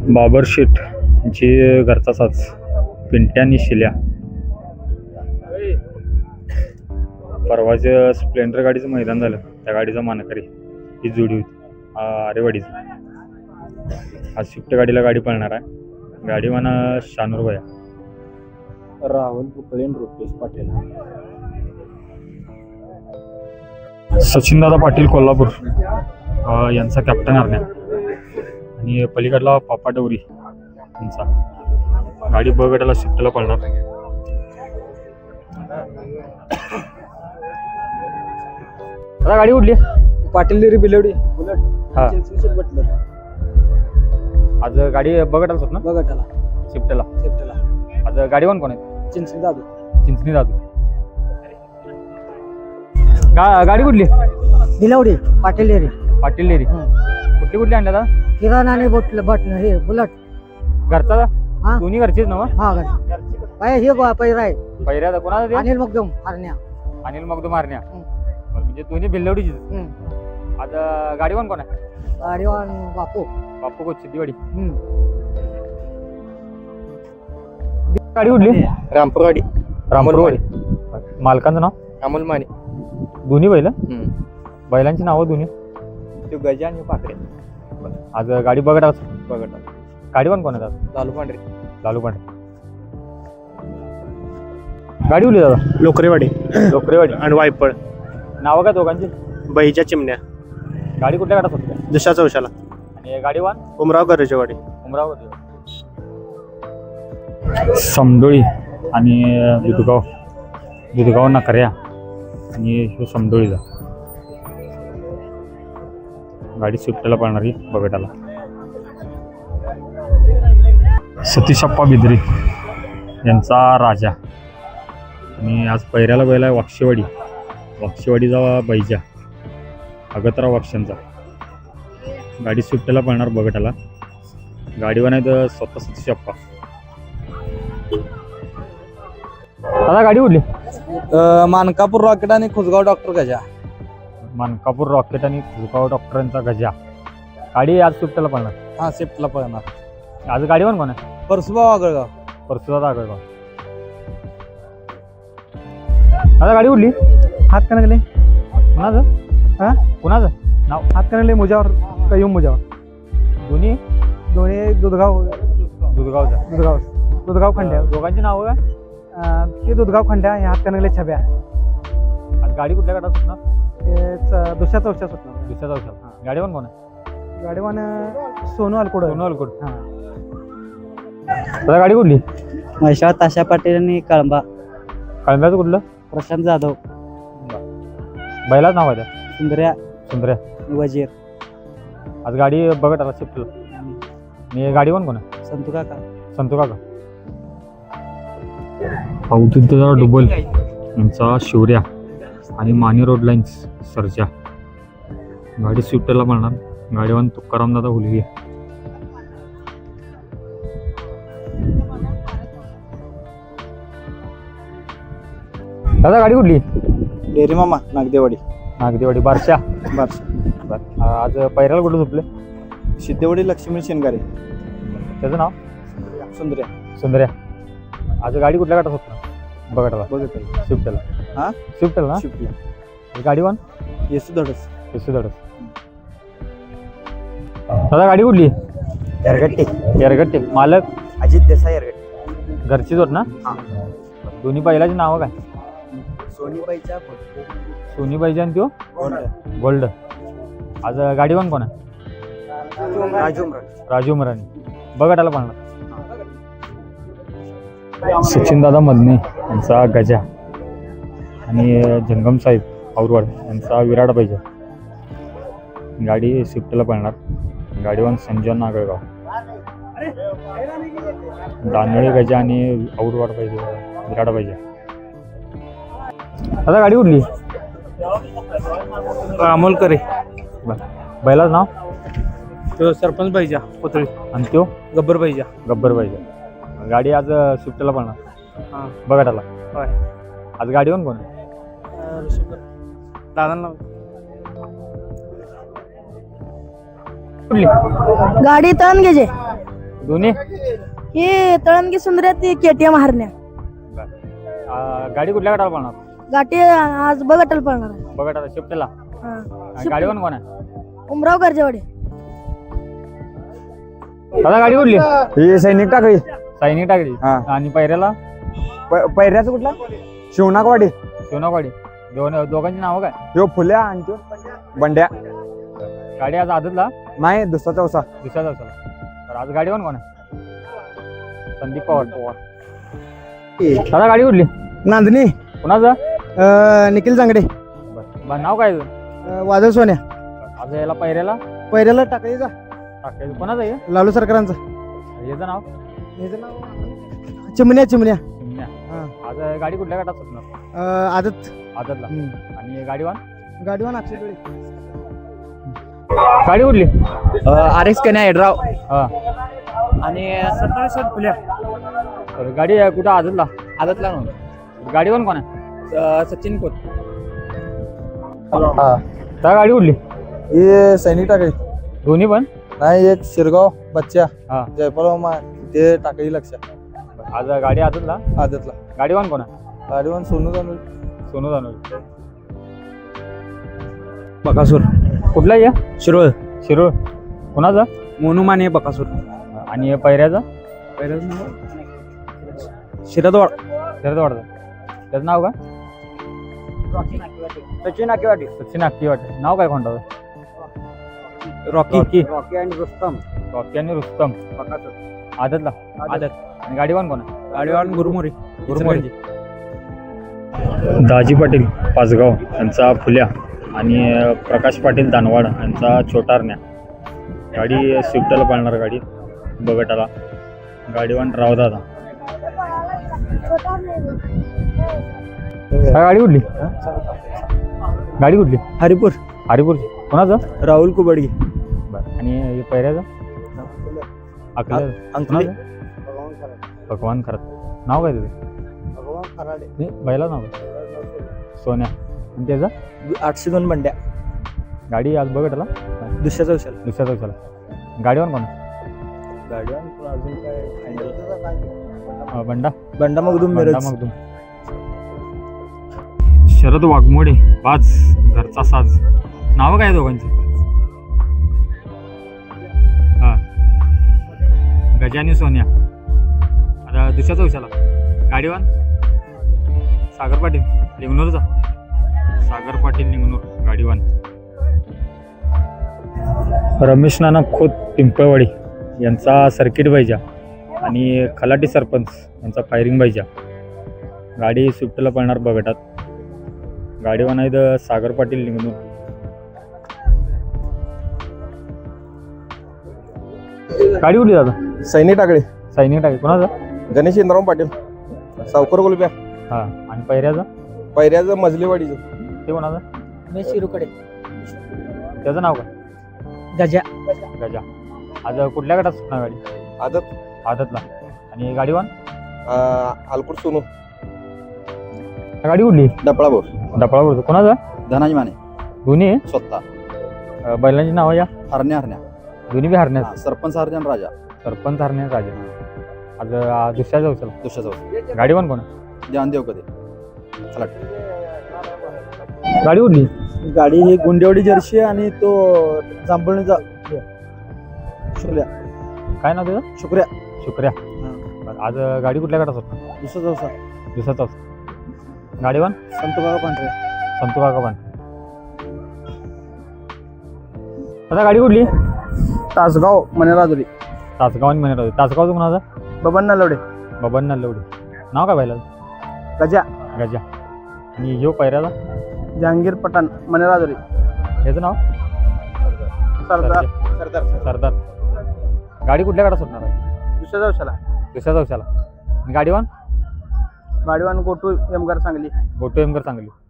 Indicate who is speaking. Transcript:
Speaker 1: बाबर शेठ यांची घरचा साज पिंट्या आणि शिल्या. परवाचं स्प्लेंडर गाडीचं मैदान झालं, त्या गाडीचा मानकरी ही जोडी होती आरेवाडीची. आज स्विफ्ट गाडीला गाडी पळणार आहे. गाडी म्हणा शानूर भया,
Speaker 2: राहुल पुतळे, रुपेश पाटील.
Speaker 1: सचिनदादा पाटील कोल्हापूर यांचा कॅप्टन हरण्या आणि पलीकडला पापा डवरी यांचा. गाडी ब गटाला स्विफ्टला पळणार. आता गाडी उडली
Speaker 2: पाटील डेरी बिलवडी बुलेट.
Speaker 1: हा.
Speaker 2: बटलर
Speaker 1: आज गाडी ब गटाला होत ना,
Speaker 2: बघटाला
Speaker 1: स्विफ्टला.
Speaker 2: सेफ्टला
Speaker 1: आज गाडीवान कोण आहे?
Speaker 2: चिंचणी दादू.
Speaker 1: चिंचणी दादू. गाडी कुठली?
Speaker 3: बिलवडी पाटील डेरी.
Speaker 1: पाटील डेरी. कुठली कुठली आणल्या आता?
Speaker 3: किराणा आणि बटन हे बुलट.
Speaker 1: घरचा
Speaker 3: हा.
Speaker 1: दोन्ही घरचीच ना?
Speaker 3: हा काय हे पैरा आहे.
Speaker 1: पहिल्या कोणाला ते?
Speaker 3: अनिल मगदम हरण्या.
Speaker 1: अनिल मगदूम मारण्या. म्हणजे दोन्ही भिल्लवडीचीच. आज गाडीवान कोण आहे?
Speaker 3: गाडीवान बापू.
Speaker 1: बापू कोच सिद्धीवाडी. गाडी उडली
Speaker 2: रामपूरवाडी.
Speaker 1: रामपूरवाडी. मालकांचं नाव?
Speaker 2: अमोल माने.
Speaker 1: दोन्ही बैल? बैलांची नावं दोन्ही?
Speaker 2: तो गजा आणि पाकरे.
Speaker 1: आज गाडी बघा
Speaker 2: बघटा.
Speaker 1: गाडीवान कोण आहे?
Speaker 2: लालू पांढरे.
Speaker 1: लालू पांढरे. गाडी उडली दादा?
Speaker 2: लोकरेवाडी.
Speaker 1: लोकरेवाडी
Speaker 2: आणि वायपळ.
Speaker 1: नावं काय दोघांची?
Speaker 2: बहीच्या चिमण्या.
Speaker 1: गाडी कुठल्या गाडात होती?
Speaker 2: दुसऱ्या चौशाला.
Speaker 1: आणि गाडीवान?
Speaker 2: उमराव गरजेवाडी.
Speaker 1: उमरावती. समडोळी आणि दुधगाव नकऱ्या आणि ह्यो समडोळीचा. गाडी स्विफ्टला पळणारी बगटाला. सतीशप्पा बिद्री यांचा राजा. आणि आज पैऱ्याला बैला आहे वाक्षेवाडी. वाक्षेवाडीचा बैजा अगतराव वाक्षांचा. गाडी स्विफ्टला पळणार बगटाला. गाडीवर नाही तर स्वतः सतीशप्पा. आता गाडी उडली
Speaker 2: मानकापूर रॉकेट आणि खुसगाव डॉक्टर गजा.
Speaker 1: मानकापूर रॉकेट आणि खुसगाव डॉक्टरांचा गजा. गाडी आज स्विफ्टला पळणार.
Speaker 2: हा सेफ्टला पळणार.
Speaker 1: आज गाडीवर कोण आहे?
Speaker 2: परसुभाऊ आगळगाव.
Speaker 1: परसुदा आगळगाव. आता गाडी उडली
Speaker 3: हात कनगले.
Speaker 1: कुणाचं?
Speaker 3: हा
Speaker 1: कुणाचं नाव?
Speaker 3: हात कनगले मुजावर कयूम मुजावर.
Speaker 1: दोन्ही
Speaker 3: दोन्ही दुधगाव
Speaker 1: दुधगावचा.
Speaker 3: दुधगाव खंड्या.
Speaker 1: दोघांची नावं काय?
Speaker 3: ते दुधगाव खंड्या हे हात कनगले छब्या.
Speaker 1: आज गाडी कुठल्या गाडात सुटणार?
Speaker 3: ते दुसऱ्या चौथ्या सुटणार.
Speaker 1: दुसऱ्या चौशाला. गाडीवर कोण आहे?
Speaker 3: गाडीवान सोनू अलकोड.
Speaker 1: सोनू अलकोड. आता गाडी कुठली?
Speaker 3: महेश्वर ताशा पाटील आणि कळंबा.
Speaker 1: कळंब्याचं कुठलं?
Speaker 3: प्रशांत जाधव.
Speaker 1: बैलाच नाव आहे त्या?
Speaker 3: सुंदर्या
Speaker 1: सुंदर्या.
Speaker 3: वजीर.
Speaker 1: आज गाडी बघत आला शिफ्टला. आणि गाडीवर कोण आहे?
Speaker 3: संतू काका.
Speaker 1: संतू काका. अवधूतदादा डुबल यांचा शिवऱ्या आणि माने रोड लाईन्स सरजा. गाडी स्विफ्टला पळणार. गाडीवान तुकाराम दादा हुलगे. दादा गाडी कुठली?
Speaker 2: डेरी मामा नागदेवाडी.
Speaker 1: नागदेवाडी. बारशा.
Speaker 2: बस.
Speaker 1: आज पैराला कुठं झोपले?
Speaker 2: सिद्धेवाडी लक्ष्मी शेनगारे.
Speaker 1: त्याचं नाव?
Speaker 2: सुंदर्या.
Speaker 1: सुंदर्या. आज गाडी कुठल्या गाठात होत? बघा
Speaker 2: बघत
Speaker 1: स्विफ्टला.
Speaker 2: हा
Speaker 1: स्विफ्टला ना?
Speaker 2: शिफ्टला.
Speaker 1: गाडीवान?
Speaker 2: येसू धडस.
Speaker 1: येसू धडस. दादा गाडी कुठली?
Speaker 2: एरगट्टे.
Speaker 1: एरगट्टे. मालक?
Speaker 2: अजित देसाई एरगट्टे.
Speaker 1: घरचीच होत ना? दोन्ही बैलाची नावं काय?
Speaker 2: सोनीबाईच्या
Speaker 1: सोनीबाईची आणि त्यो
Speaker 2: गोल्ड.
Speaker 1: गोल्ड. आज गाडीवान कोण आहे? राजू उमराणी. बघटाला पळणार. सचिनदादा मदने यांचा गजा आणि जंगम साहेब औरवाड यांचा विराट पाहिजे. गाडी स्विफ्टला पळणार. गाडीवान संजय नागळगाव. दानोळी गजा आणि औरवाड पाहिजे, विराट पाहिजे. आता गाडी उडली
Speaker 2: अमोल करे.
Speaker 1: बैलाच नाव?
Speaker 2: तो सरपंच पाहिजे पुतळी.
Speaker 1: आणि त्यो
Speaker 2: गब्बर पाहिजे.
Speaker 1: गब्बर पाहिजे. गाडी आज स्विफ्टला पळणार. बघाटाला. आज गाडीवर कोण आहे?
Speaker 2: दादांना
Speaker 3: गाडी तण घ्यायचे.
Speaker 1: दोन्ही
Speaker 4: हे तळणगी सुंदर ती केटीएम हरण्या
Speaker 1: गाडी कुठल्या गटाला पळणार
Speaker 4: गाठी आज बघटल पळणार आहे.
Speaker 1: बघा आता शिफ्टला
Speaker 4: हा.
Speaker 1: गाडीवर कोण आहे
Speaker 4: उमराव गरजेवाडे
Speaker 1: दादा गाडी कुठली
Speaker 2: ही सैनिक टाकळी
Speaker 1: सैनिक टाकली
Speaker 2: हा.
Speaker 1: आणि पैऱ्याला
Speaker 2: पैऱ्याचं कुठला शिवनाकवाडी
Speaker 1: शिवनावाडी दोघांची नावं काय
Speaker 2: यो फुल्या आणि त्यो बंड्या
Speaker 1: गाडी आज आदतला
Speaker 2: नाही दुसरा चौसा
Speaker 1: दुसऱ्या दिवसाला तर आज गाडीवर कोण आहे संदीप पवार दादा गाडी कुठली
Speaker 3: नांदणी
Speaker 1: कुणाचं
Speaker 3: निखिल जांगडे
Speaker 1: बरं नाव काय तुझं?
Speaker 3: वादळ सोन्या
Speaker 1: आज याला पैऱ्याला
Speaker 3: पहिल्याला टाकायचा
Speaker 1: टाकायचं कोणाचं आहे
Speaker 3: लालू सरकारांचा
Speaker 1: याचं नाव
Speaker 3: चिमण्या चिमण्या
Speaker 1: चिमण्या.
Speaker 3: हा.
Speaker 1: आज गाडी कुठल्या गटात सुटणार
Speaker 3: आदत
Speaker 1: आदतला आणि गाडीवान
Speaker 3: गाडीवान अक्षय
Speaker 1: गाडी कुठली
Speaker 2: आर एक्स कन्या हेडराव
Speaker 1: हा
Speaker 2: आणि 27 फुल्या
Speaker 1: तर गाडी कुठं आदतला
Speaker 2: आदतला
Speaker 1: गाडीवर कोण आहे
Speaker 2: सचिन खोत
Speaker 1: त्या गाडी कुठली
Speaker 2: हे सैनिक टाकळी
Speaker 1: दोन्ही पण
Speaker 2: नाही एक शिरगाव बच्चा
Speaker 1: हा
Speaker 2: जयपाल ते टाकळी लक्ष
Speaker 1: आज गाडी आदतला
Speaker 2: आदतला
Speaker 1: गाडीवान कोण आहे
Speaker 2: गाडीवान सोनू जाणू
Speaker 1: सोनू जानोली
Speaker 2: बकासूर
Speaker 1: कुठला या
Speaker 2: शिरोळ
Speaker 1: शिरोळ कोणाचा
Speaker 2: मोनू माने बकासूर
Speaker 1: आणि पैऱ्याचा
Speaker 2: शिरदवाड
Speaker 1: त्याचं वाटतं त्याचं नाव काय
Speaker 2: सचिन आकेवाडी
Speaker 1: सचिन अक्की वाटतं नाव काय कोणतं
Speaker 2: रॉकी
Speaker 3: रॉकी आणि रुस्तम
Speaker 1: रॉकी आणि रुस्तम आदतला आदत आणि गाडीवान कोण आहे
Speaker 2: गाडीवान गुरुमोरी
Speaker 1: गुरुमोरी. दाजी पाटील पाचगाव यांचा फुल्या आणि प्रकाश पाटील दानवाड यांचा छोटारण्या गाडी स्विफ्टला पळणार गाडी बगटाला गाडीवान रावदादा गाडी कुठली गाडी कुठली
Speaker 2: हरिपूर
Speaker 1: हरिपूरची कोणाचं
Speaker 2: राहुल कुबडगी
Speaker 1: बरं आणि पैऱ्याचं अकले
Speaker 2: अंकली
Speaker 1: भगवान खरात नाव काय तुझं नाही बैला नाव काय सोन्या आणि त्याचं
Speaker 2: 802 बंड्या
Speaker 1: गाडी आज बघटला
Speaker 2: दुसऱ्या चौशाला
Speaker 1: दुसऱ्या चौशाला गाडीवर कोण
Speaker 2: गाडीवान अजून काय
Speaker 1: बंडा
Speaker 2: बंडा मगदूम
Speaker 1: बंडा
Speaker 2: मिरज
Speaker 1: मगदूम शरद वाघमोडे पाच घरचा साज नाव काय दोघांची हा गजानी सोन्या आता दुसऱ्या चौशाला गाडीवान सागर पाटील लिंगनूरचा सागर पाटील लिंगनूर गाडीवान रमेश नाना खोत पिंपळवाडी यांचा सर्किट बैजा आणि खलाटी सरपंच यांचा फायरिंग बैजा गाडी स्विफ्टला पळणार बगटात गाडीवान आहे सागर पाटील लिंगनूर गाडी कुठली दादा
Speaker 2: सैनिक टाकळे
Speaker 1: सैनिक टाके कोणाचं
Speaker 2: गणेश इंद्राम पाटील सावकर गोलब्या
Speaker 1: हा आणि पैऱ्याचं
Speaker 2: पैऱ्याचं मजलेवाडीचं
Speaker 1: ते कोणाचं
Speaker 3: मी शिरूकडे
Speaker 1: त्याचं नाव काय
Speaker 3: गजा
Speaker 1: गजा आज कुठल्या गटात सुटणार गाडी
Speaker 2: आदत
Speaker 1: आदतला आणि गाडीवान
Speaker 2: आलपूर सोनू
Speaker 1: गाडी कुठली
Speaker 2: डपळापूर
Speaker 1: डपळापूर कोणाचं
Speaker 2: धनाजी माने
Speaker 1: दोन्ही
Speaker 2: स्वतः
Speaker 1: बैलांची नाव या
Speaker 2: हरण्या हरण्या
Speaker 1: दोन्ही बी हरण्यात
Speaker 2: सरपंच हरण्या राजा
Speaker 1: सरपंच हरण्यात राजे आज दुसऱ्या चौशाला
Speaker 2: दुसऱ्या चौसा
Speaker 1: गाडीवान कोण
Speaker 2: जानदेव कधी चला
Speaker 1: गाडी कुठली
Speaker 2: गाडी ही गुंडेवाडी जर्सी आणि तो जांभळणीचा शुक्र्या
Speaker 1: काय नाव त्याचं
Speaker 2: शुक्र्या
Speaker 1: शुक्र्या बरं, आज गाडी कुठल्या गटात सुटणार
Speaker 2: दुसरा चौसा
Speaker 1: दुसऱ्या चौसा गाडीवान
Speaker 2: संत बाबा पांढरे
Speaker 1: संतू काका पण आता गाडी कुठली
Speaker 2: तासगाव मनेराजुरी
Speaker 1: तासगाव आणि मनेर तासगावचं कोणाचं
Speaker 2: बबन नलवडे
Speaker 1: बबन नल्लवडी नाव काय पाहिलं
Speaker 2: गजा
Speaker 1: गजा आणि ह्यो पैऱ्याला
Speaker 2: जहांगीर पठाण मनेराजुरी
Speaker 1: याचं नाव
Speaker 2: सरदार
Speaker 1: सरदार गाडी कुठल्या गाडा सुटणार आहे
Speaker 2: दुसऱ्या चौशाला
Speaker 1: दुसऱ्या चौशाला गाडीवान
Speaker 2: गाडीवान गोटू यमगार सांगली
Speaker 1: गोटू एमकर सांगली